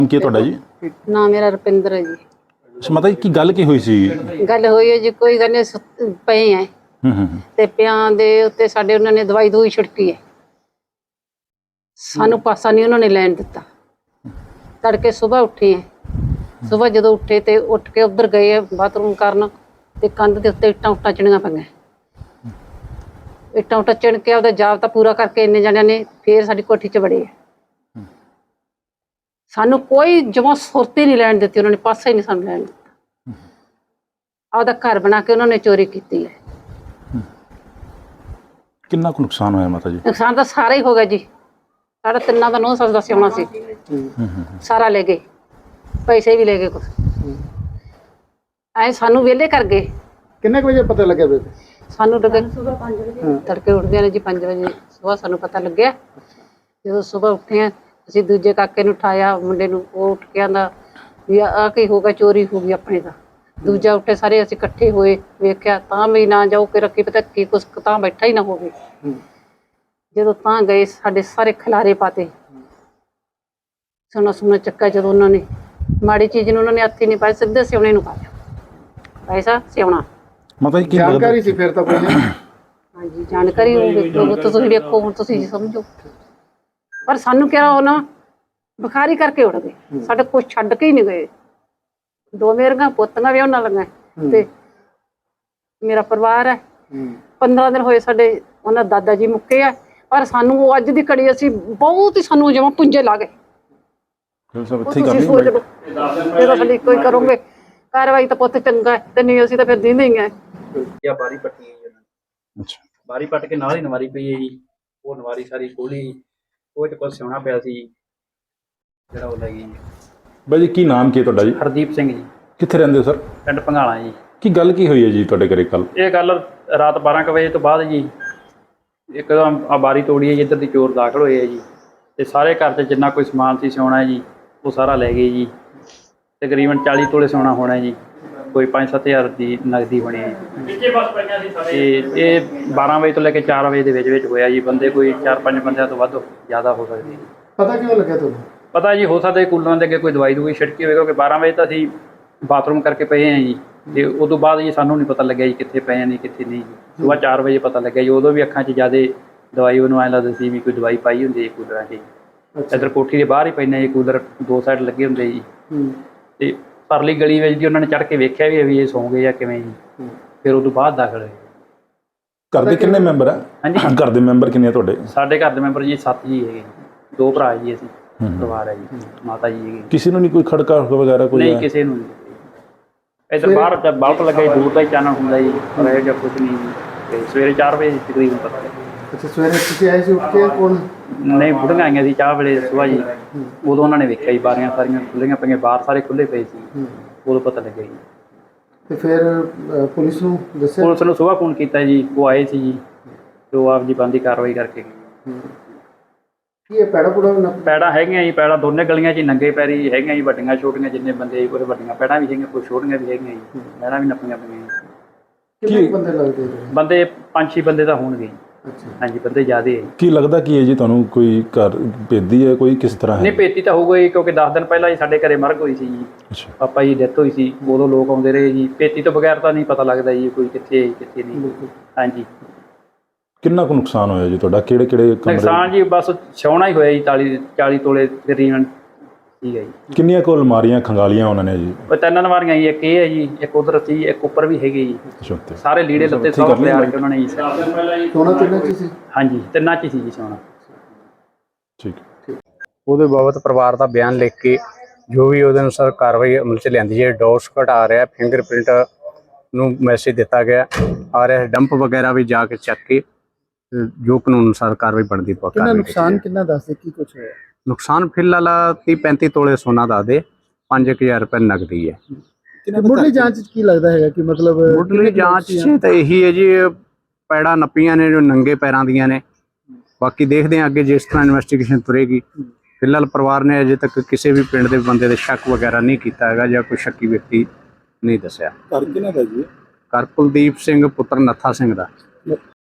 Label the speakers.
Speaker 1: ਕੀ ਤੁਹਾਡਾ ਜੀ?
Speaker 2: ਨਾ ਮੇਰਾ ਰੁਪਿੰਦਰ ਹੈ ਜੀ।
Speaker 1: ਮਾਤਾ ਜੀ ਕੀ ਗੱਲ ਕੀ ਹੋਈ ਸੀ?
Speaker 2: ਗੱਲ ਹੋਈ ਹੈ ਜੀ, ਕੋਈ ਗੱਲ ਨਹੀਂ, ਪਏ ਐ ਤੇ ਪਿਆਂ ਦੇ ਉੱਤੇ ਸਾਡੇ ਉਹਨਾਂ ਨੇ ਦਵਾਈ ਦੂਈ ਛਿੜਕੀ ਹੈ। ਸਾਨੂੰ ਪਾਸਾ ਨਹੀਂ ਉਹਨਾਂ ਨੇ ਲੈਣ ਦਿੱਤਾ। ਤੜਕੇ ਸਵੇਰ ਉੱਠੇ ਐ, ਸਵੇਰ ਜਦੋਂ ਉੱਠੇ ਤੇ ਉੱਠ ਕੇ ਉੱਧਰ ਗਏ ਬਾਥਰੂਮ ਕਰਨ ਤੇ ਕੰਧ ਦੇ ਉੱਤੇ ਇੱਟਾਂ ਉੱਟਾਂ ਚਿਣੀਆਂ ਪਈਆਂ। ਇੱਟਾਂ ਉੱਟਾਂ ਚਿਣ ਕੇ ਉਹਦਾ ਜਾਬਤਾ ਪੂਰਾ ਕਰਕੇ ਇੰਨੇ ਜਣਿਆਂ ਨੇ ਫੇਰ ਸਾਡੀ ਕੋਠੀ 'ਚ ਵੜੇ। ਸਾਨੂੰ ਕੋਈ ਜਮਾਂ ਸੁਰਤ ਹੀ ਨਹੀਂ ਲੈਣ ਦਿੱਤੀ, ਉਹਨਾਂ ਨੇ ਪਾਸਾ ਹੀ ਨਹੀਂ ਸਾਨੂੰ ਲੈਣ ਦਿੱਤਾ। ਆਪਦਾ ਘਰ ਬਣਾ ਕੇ ਉਹਨਾਂ ਨੇ ਚੋਰੀ ਕੀਤੀ ਹੈ।
Speaker 1: ਕਿੰਨਾ ਕੁ ਨੁਕਸਾਨ ਹੋਇਆ ਮਾਤਾ ਜੀ?
Speaker 2: ਨੁਕਸਾਨ ਤਾਂ ਸਾਰਾ ਹੀ ਹੋ ਗਿਆ ਜੀ। ਸਾਡਾ ਤਿੰਨਾਂ ਦਾ 9 ਸਾਲ ਦਾ ਸਿਆਉਣਾ ਸੀ, ਸਾਰਾ ਲੈ ਗਏ, ਪੈਸੇ ਵੀ ਲੈ ਗਏ ਕੁਛ। ਐ ਸਾਨੂੰ ਵਿਹਲੇ ਕਰ ਗਏ।
Speaker 3: ਕਿੰਨੇ ਵਜੇ ਪਤਾ ਲੱਗਿਆ ਬੇਬੇ?
Speaker 2: ਸਾਨੂੰ ਲੱਗੇ ਤੜਕੇ ਉੱਠਦੇ ਨੇ ਜੀ 5 ਵਜੇ ਸਵੇਰ ਸਾਨੂੰ ਪਤਾ ਲੱਗਿਆ। ਜਦੋਂ ਸਵੇਰ ਉੱਠੇ ਅਸੀਂ ਦੂਜੇ ਕਾਕੇ ਨੂੰ ਉਠਾਇਆ, ਮੁੰਡੇ ਨੂੰ, ਉਹ ਉੱਠ ਕੇ ਆਂਦਾ ਵੀ ਆਹ ਕੀ ਹੋ ਗਿਆ, ਚੋਰੀ ਹੋ ਗਈ ਆਪਣੇ ਦਾ। ਦੂਜਾ ਉੱਠੇ, ਸਾਰੇ ਅਸੀਂ ਇਕੱਠੇ ਹੋਏ, ਵੇਖਿਆ ਤਾਂ ਵੀ ਨਾ ਜਾਓ ਕਿ ਰੱਖੀ ਪਤਾ ਕੀ ਕੁਛ ਤਾਂ ਬੈਠਾ ਹੀ ਨਾ ਹੋਵੇ। ਜਦੋਂ ਤਾਂ ਗਏ ਸਾਡੇ ਸਾਰੇ ਖਿਲਾਰੇ ਪਾਤੇ, ਸੋਨਾ ਸੋਨਾ ਚੱਕਾ। ਜਦੋਂ ਉਹਨਾਂ ਨੇ ਮਾੜੀ ਚੀਜ਼ ਨੂੰ ਉਹਨਾਂ ਨੇ ਹੱਥ ਹੀ ਨਹੀਂ ਪਾਇਆ, ਸਿੱਧੇ ਸਿਉਣੇ ਨੂੰ ਪਾਇਆ ਪੈਸਾ ਸਿਉਣਾ।
Speaker 1: ਮਾਤਾ ਜੀ ਕੀ
Speaker 3: ਜਾਣਕਾਰੀ ਸੀ ਫਿਰ ਤਾਂ ਕੋਈ?
Speaker 2: ਹਾਂਜੀ ਜਾਣਕਾਰੀ ਹੋਊਗੀ, ਤੁਸੀਂ ਵੇਖੋ ਹੁਣ, ਤੁਸੀਂ ਸਮਝੋ। ਪਰ ਸਾਨੂੰ ਕਿਹਾ ਉਹ ਨਾ ਬੁਖਾਰੀ ਕਰਕੇ ਉੱਡ ਗਏ, ਸਾਡੇ ਕੁਛ ਛੱਡ ਕੇ ਹੀ ਨਹੀਂ ਗਏ। 2 ਮੇਰੀਆਂ ਪੋਤੀਆਂ ਵੀ ਉਹਨਾਂ ਲੰਗਾ ਤੇ ਮੇਰਾ ਪਰਿਵਾਰ ਹੈ। 15 ਦਿਨ ਹੋਏ ਸਾਡੇ ਉਹਨਾਂ ਦਾਦਾ ਜੀ ਮੁੱਕੇ ਆ, ਪਰ ਸਾਨੂੰ ਉਹ ਅੱਜ ਦੀ ਘੜੀ ਅਸੀਂ ਬਹੁਤ ਹੀ ਸਾਨੂੰ ਜਿਵੇਂ ਪੁੰਜੇ ਲਾ ਗਏ। ਜਦੋਂ ਸਾਡੀ ਕੋਈ ਕਰੋਗੇ ਕਾਰਵਾਈ ਤਾਂ ਪੁੱਤ ਚੰਗਾ ਹੈ, ਤੇ ਨਹੀਂ ਅਸੀਂ ਤਾਂ ਫਿਰ ਦਿੰਦੇ ਹੀ ਆ।
Speaker 4: ਬਾਰੀ ਪੱਟੀ ਹੈ ਜੀ। ਅੱਛਾ, ਬਾਰੀ ਪੱਟ ਕੇ ਨਾਲ ਹੀ ਨਵਾਰੀ ਪਈ ਹੈ ਜੀ। ਉਹ ਨਵਾਰੀ ਸਾਰੀ ਖੋਲੀ, ਉਹ ਚ ਕੁਛ ਸਿਉਣਾ ਪਿਆ ਸੀ ਜਿਹੜਾ ਉਹ ਲੈ ਗਈ।
Speaker 1: ਬਾਈ ਜੀ ਕੀ ਨਾਮ ਕੀ ਤੁਹਾਡਾ ਜੀ?
Speaker 4: ਹਰਦੀਪ ਸਿੰਘ ਜੀ।
Speaker 1: ਕਿੱਥੇ ਰਹਿੰਦੇ ਹੋ ਸਰ?
Speaker 4: ਪਿੰਡ ਭੰਗਾਲਾ ਜੀ।
Speaker 1: ਕੀ ਗੱਲ ਕੀ ਹੋਈ ਹੈ ਜੀ ਤੁਹਾਡੇ ਘਰੇ ਕੱਲ?
Speaker 4: ਇਹ ਗੱਲ ਰਾਤ 12 ਕੁ ਵਜੇ ਤੋਂ ਬਾਅਦ ਜੀ ਇੱਕਦਮ ਆ ਬਾਰੀ ਤੋੜੀ ਹੈ ਜੀ, ਇੱਧਰ ਦੀ ਚੋਰ ਦਾਖਲ ਹੋਏ ਹੈ ਜੀ, ਤੇ ਸਾਰੇ ਘਰ 'ਚ ਜਿੰਨਾ ਕੋਈ ਸਮਾਨ ਸੀ ਸਿਉਣਾ ਜੀ ਉਹ ਸਾਰਾ ਲੈ ਗਏ ਜੀ। ਤਕਰੀਬਨ 40 ਤੋਲੇ ਸੋਨਾ ਹੋਣਾ ਜੀ, ਕੋਈ 5-7 ਹਜ਼ਾਰ ਦੀ ਨਗਦੀ ਬਣੀ ਹੈ। ਤੇ ਇਹ 12 ਵਜੇ ਤੋਂ ਲੈ ਕੇ 4 ਵਜੇ ਦੇ ਵਿੱਚ ਹੋਇਆ ਜੀ। ਬੰਦੇ ਕੋਈ 4-5 ਬੰਦਿਆਂ ਤੋਂ ਵੱਧ ਜ਼ਿਆਦਾ ਹੋ ਸਕਦੇ।
Speaker 3: ਪਤਾ ਕਿਉਂ ਲੱਗਿਆ ਤੁਹਾਨੂੰ? ਪਤਾ
Speaker 4: ਜੀ ਹੋ ਸਕਦਾ ਕੂਲਰਾਂ ਦੇ ਅੱਗੇ ਕੋਈ ਦਵਾਈ ਦੂਈ ਛਿੜਕੀ ਹੋਵੇ, ਕਿਉਂਕਿ 12 ਵਜੇ ਤਾਂ ਅਸੀਂ ਬਾਥਰੂਮ ਕਰਕੇ ਪਏ ਹਾਂ ਜੀ, ਤੇ ਉਦੋਂ ਬਾਅਦ ਜੀ ਸਾਨੂੰ ਨਹੀਂ ਪਤਾ ਲੱਗਿਆ ਜੀ ਕਿੱਥੇ ਪਏ ਨੇ ਕਿੱਥੇ ਨਹੀਂ ਜੀ। ਸੁਬਾਹ 4 ਵਜੇ ਪਤਾ ਲੱਗਿਆ ਜੀ। ਉਦੋਂ ਵੀ ਅੱਖਾਂ 'ਚ ਜ਼ਿਆਦਾ ਦਵਾਈ ਉਹਨੂੰ ਐਂ ਲੱਗਦਾ ਸੀ ਵੀ ਕੋਈ ਦਵਾਈ ਪਾਈ ਹੁੰਦੀ ਹੈ ਕੂਲਰਾਂ 'ਚ। ਇੱਧਰ ਕੋਠੀ ਦੇ ਬਾਹਰ ਹੀ ਪੈਂਦੇ ਜੀ ਕੂਲਰ, 2 ਸਾਈਡ ਲੱਗੇ ਹੁੰਦੇ ਜੀ। ਤੇ ਪਰਲੀ ਗਲੀ ਵਿੱਚ ਜੀ ਉਹਨਾਂ ਨੇ ਚੜ੍ਹ ਕੇ ਵੇਖਿਆ ਵੀ ਇਹ ਸੌਂ ਗਏ ਜਾਂ ਕਿਵੇਂ ਜੀ, ਫਿਰ ਉਦੋਂ ਬਾਅਦ ਦਾਖਲ ਹੋਏ।
Speaker 1: ਘਰ ਦੇ ਕਿੰਨੇ ਮੈਂਬਰ ਆ? ਹਾਂਜੀ, ਘਰ ਦੇ ਮੈਂਬਰ ਕਿੰਨੇ ਆ ਤੁਹਾਡੇ?
Speaker 4: ਸਾਡੇ ਘਰ ਦੇ ਮੈਂਬਰ ਜੀ 7 ਜੀ ਹੈਗੇ, 2 ਭਰਾ ਜੀ, ਅਸੀਂ ਪਰਿਵਾਰ ਹੈ ਜੀ, ਮਾਤਾ ਜੀ ਹੈਗੇ।
Speaker 1: ਕਿਸੇ ਨੂੰ ਨਹੀਂ ਕੋਈ ਖੜਕਾ ਵਗੈਰਾ ਕੋਈ?
Speaker 4: ਨਹੀਂ, ਕਿਸੇ ਨੂੰ ਨਹੀਂ। ਇੱਧਰ ਬਾਹਰ ਬਲਬ ਲੱਗਾ ਜੀ, ਦੂਰ ਦਾ ਹੀ ਚਾਨਣ ਹੁੰਦਾ ਜੀ, ਪਰ ਇਹੋ ਜਿਹਾ ਕੁਛ ਨਹੀਂ ਜੀ। ਤੇ ਸਵੇਰੇ 4 ਵਜੇ ਤਕਰੀਬਨ ਪਤਾ ਲੱਗਿਆ।
Speaker 3: ਅੱਛਾ, ਸਵੇਰੇ ਤੁਸੀਂ ਆਏ ਸੀ ਉੱਠ ਕੇ? ਕੋਣ?
Speaker 4: ਨਹੀਂ, ਬੁੜੀਆਂ ਆਈਆਂ ਸੀ ਚਾਹ ਵੇਲੇ ਸੁਬਾਹ ਜੀ, ਉਦੋਂ ਉਹਨਾਂ ਨੇ ਵੇਖਿਆ ਜੀ ਬਾਰੀਆਂ ਸਾਰੀਆਂ ਖੁੱਲ੍ਹੀਆਂ ਪਈਆਂ, ਬਾਹਰ ਸਾਰੇ ਖੁੱਲ੍ਹੇ ਪਏ ਸੀ, ਉਦੋਂ ਪਤਾ ਲੱਗਿਆ ਜੀ।
Speaker 3: ਤੇ ਫਿਰ ਪੁਲਿਸ ਨੂੰ ਦੱਸਿਆ?
Speaker 4: ਪੁਲਿਸ ਨੂੰ ਸੁਬਾਹ ਫੋਨ ਕੀਤਾ ਜੀ, ਉਹ ਆਏ ਸੀ ਜੀ, ਤੇ ਉਹ ਆਪ ਜੀ ਬੰਦੀ ਕਾਰਵਾਈ ਕਰਕੇ ਗਏ।
Speaker 3: ਕੀ ਇਹ ਪੈੜਾ ਪੁੜਾ?
Speaker 4: ਪੈੜਾਂ ਹੈਗੀਆਂ ਜੀ, ਪੈੜਾਂ ਦੋਨੇ ਗਲੀਆਂ 'ਚ ਹੀ ਨੰਗੇ ਪੈਰੀ ਹੈਗੀਆਂ ਜੀ, ਵੱਡੀਆਂ ਛੋਟੀਆਂ ਜਿੰਨੇ ਬੰਦੇ ਕੁਝ ਵੱਡੀਆਂ ਪੈੜਾਂ ਵੀ ਹੈਗੀਆਂ, ਕੁਝ ਛੋਟੀਆਂ ਵੀ ਹੈਗੀਆਂ ਜੀ, ਪੈੜਾਂ ਵੀ ਨੱਪੀਆਂ ਪਈਆਂ ਜੀ।
Speaker 3: ਕਿੰਨੇ ਬੰਦੇ ਲੱਗਦੇ?
Speaker 4: ਬੰਦੇ 5-6 ਬੰਦੇ ਤਾਂ ਹੋਣਗੇ।
Speaker 3: ਅੱਛਾ,
Speaker 4: ਹਾਂਜੀ, ਬੰਦੇ ਜ਼ਿਆਦੇ ਹੈ।
Speaker 1: ਕੀ ਲੱਗਦਾ ਕੀ ਹੈ ਜੀ ਤੁਹਾਨੂੰ? ਕੋਈ ਘਰ ਭੇਦੀ ਹੈ ਕੋਈ ਕਿਸ ਤਰ੍ਹਾਂ?
Speaker 4: ਨਹੀਂ, ਭੇਤੀ ਤਾਂ ਹੋਊਗਾ ਜੀ, ਕਿਉਂਕਿ 10 ਦਿਨ ਪਹਿਲਾਂ ਹੀ ਸਾਡੇ ਘਰੇ ਮਰਗ ਹੋਈ ਸੀ ਜੀ।
Speaker 1: ਅੱਛਾ,
Speaker 4: ਪਾਪਾ ਜੀ ਡੈਥ ਹੋਈ ਸੀ, ਉਦੋਂ ਲੋਕ ਆਉਂਦੇ ਰਹੇ ਜੀ। ਭੇਤੀ ਤੋਂ ਬਗੈਰ ਤਾਂ ਨਹੀਂ ਪਤਾ ਲੱਗਦਾ ਜੀ ਕੋਈ ਕਿੱਥੇ ਕਿੱਥੇ ਨਹੀਂ। ਹਾਂਜੀ।
Speaker 1: ਕਿੰਨਾ ਕੁ ਨੁਕਸਾਨ ਹੋਇਆ ਜੀ ਤੁਹਾਡਾ? ਕਿਹੜੇ ਕਿਹੜੇ
Speaker 4: ਨੁਕਸਾਨ ਜੀ ਬਸ ਸਿਉਣਾ ਹੀ ਹੋਇਆ ਜੀ, 40 ਤੋਲੇ ਤਕਰੀਬਨ। ਠੀਕ ਹੈ ਜੀ।
Speaker 1: ਕਿੰਨੀਆਂ ਕੁ ਅਲਮਾਰੀਆਂ ਖੰਗਾਲੀਆਂ ਉਹਨਾਂ ਨੇ ਜੀ?
Speaker 4: ਉਹ 3 ਨਵਾਰੀਆਂ ਜੀ, ਇੱਕ ਇਹ ਹੈ ਜੀ, ਇੱਕ ਉਧਰ ਸੀ, ਇੱਕ ਉੱਪਰ ਵੀ ਹੈਗੀ ਜੀ।
Speaker 1: ਅੱਛਾ,
Speaker 4: ਸਾਰੇ ਲੀੜੇ ਲੱਤੇ ਸਭ ਲਿਆ ਕੇ ਉਹਨਾਂ ਨੇ ਜੀ।
Speaker 3: ਸੋਨਾ ਤਿੰਨਾਂ 'ਚ ਸੀ?
Speaker 4: ਹਾਂਜੀ, 3 'ਚ ਸੀ ਜੀ ਸੋਨਾ।
Speaker 1: ਠੀਕ।
Speaker 5: ਉਹਦੇ ਬਾਬਤ ਪਰਿਵਾਰ ਦਾ ਬਿਆਨ ਲਿਖ ਕੇ ਜੋ ਵੀ ਉਹਦੇ ਅਨੁਸਾਰ ਕਾਰਵਾਈ ਅਮਲ 'ਚ ਲਿਆਂਦੀ ਹੈ। ਡੋਸ ਘਟਾ ਰਿਹਾ, ਫਿੰਗਰਪ੍ਰਿੰਟ ਨੂੰ ਮੈਸੇਜ ਦਿੱਤਾ ਗਿਆ ਆ ਰਿਹਾ, ਡੰਪ ਵਗੈਰਾ ਵੀ ਜਾ ਕੇ ਚੱਕ ਕੇ ਜੋ ਕਾਨੂੰਨ ਅਨੁਸਾਰ ਕਾਰਵਾਈ ਬਣਦੀ ਪਾ।
Speaker 3: ਕਿੰਨਾ ਨੁਕਸਾਨ ਕਿੰਨਾ ਦੱਸਦੇ, ਕੀ ਕੁਛ ਹੋਇਆ?
Speaker 5: ਨੁਕਸਾਨ ਫਿਲਹਾਲ 30-35 ਤੋਲੇ ਸੋਨਾ ਦੱਸਦੇ, 5000 ਰੁਪਏ ਨਗਦੀ ਹੈ।
Speaker 3: ਮੁੱਢਲੀ ਜਾਂਚ 'ਚ ਕੀ ਲੱਗਦਾ ਹੈਗਾ ਕਿ ਮਤਲਬ?
Speaker 5: ਮੁੱਢਲੀ ਜਾਂਚ 'ਚ ਤਾਂ ਇਹੀ ਹੈ ਜੀ, ਪੈੜਾਂ ਨੱਪੀਆਂ ਨੇ ਜੋ ਨੰਗੇ ਪੈਰਾਂ ਦੀਆਂ ਨੇ। ਬਾਕੀ ਦੇਖਦੇ ਹਾਂ ਅੱਗੇ ਜਿਸ ਤਰ੍ਹਾਂ ਇਨਵੈਸਟੀਗੇਸ਼ਨ ਤੁਰੇਗੀ। ਫਿਲਹਾਲ ਪਰਿਵਾਰ ਨੇ ਅਜੇ ਤੱਕ ਕਿਸੇ ਵੀ ਪਿੰਡ ਦੇ ਬੰਦੇ ਦੇ ਸ਼ੱਕ ਵਗੈਰਾ ਨਹੀਂ ਕੀਤਾ ਹੈਗਾ ਜਾਂ ਕੋਈ ਸ਼ੱਕੀ ਵਿਅਕਤੀ ਨਹੀਂ ਦੱਸਿਆ।
Speaker 3: ਘਰ ਕਿਹਨਾਂ ਦਾ ਜੀ?
Speaker 5: ਘਰ ਕੁਲਦੀਪ ਸਿੰਘ ਪੁੱਤਰ ਨੱਥਾ ਸਿੰਘ ਦਾ।